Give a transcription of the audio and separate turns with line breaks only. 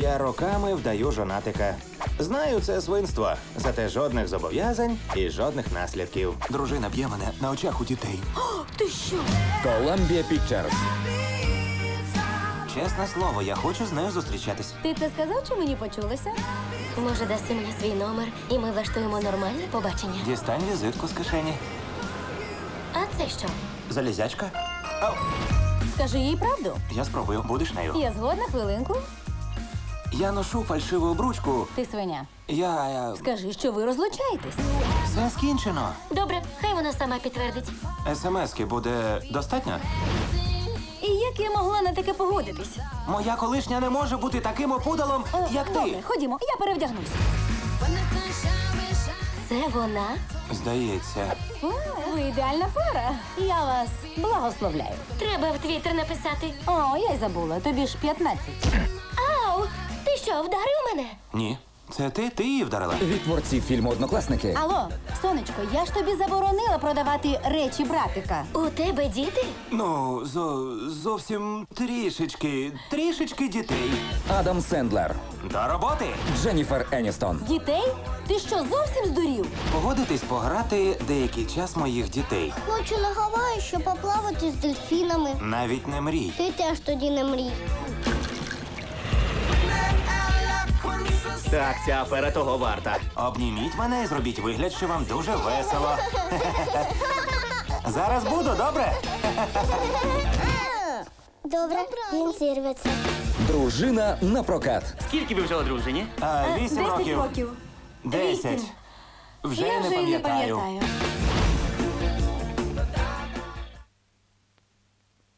Я роками вдаю жонатика. Знаю, це свинство, зате жодних зобов'язань і жодних наслідків.
Дружина б'є мене на очах у дітей.
Ти що?
Columbia Pictures.
Чесне слово, я хочу з нею зустрічатись.
Ти це сказав, чи мені почулося?
Може, даси мені свій номер, і ми влаштуємо нормальне побачення.
Дістань візитку з кишені.
А це що?
Залізячка?
Скажи їй правду.
Я спробую. Будеш нею?
Я згодна, хвилинку.
Я ношу фальшиву обручку.
Ти свиня.
Я...
Скажи, що ви розлучаєтесь.
Все скінчено.
Добре, хай вона сама підтвердить.
СМС-ки буде достатньо?
І як я могла на таке погодитись?
Моя колишня не може бути таким опудалом, як
Добре,
ти.
ходімо, я перевдягнусь.
Це вона?
Здається.
О, ви ідеальна пара. Я вас благословляю.
Треба в Твіттер написати.
О, я й забула, тобі ж 15.
Ау! Ти що, вдарив мене?
Ні. Це ти її вдарила?
Від творців фільму «Однокласники».
Алло, сонечко, я ж тобі заборонила продавати речі братика.
У тебе діти?
Ну, зовсім трішечки дітей.
Адам Сендлер.
До роботи!
Дженніфер Еністон.
Дітей? Ти що, зовсім здурів?
Погодитись пограти деякий час моїх дітей.
Хочу на Гаваї, щоб поплавати з дельфінами.
Навіть не мрій.
Ти теж тоді не мрій.
Так, ця афера того варта.
Обніміть мене і зробіть вигляд, що вам дуже весело. Зараз буду, добре?
Добре, він зірветься.
Дружина на прокат.
Скільки ви вже одружені?
8
10
років.
років.
10.
Вісім.
Вже
Я
не
вже й не
пам'ятаю.
пам'ятаю.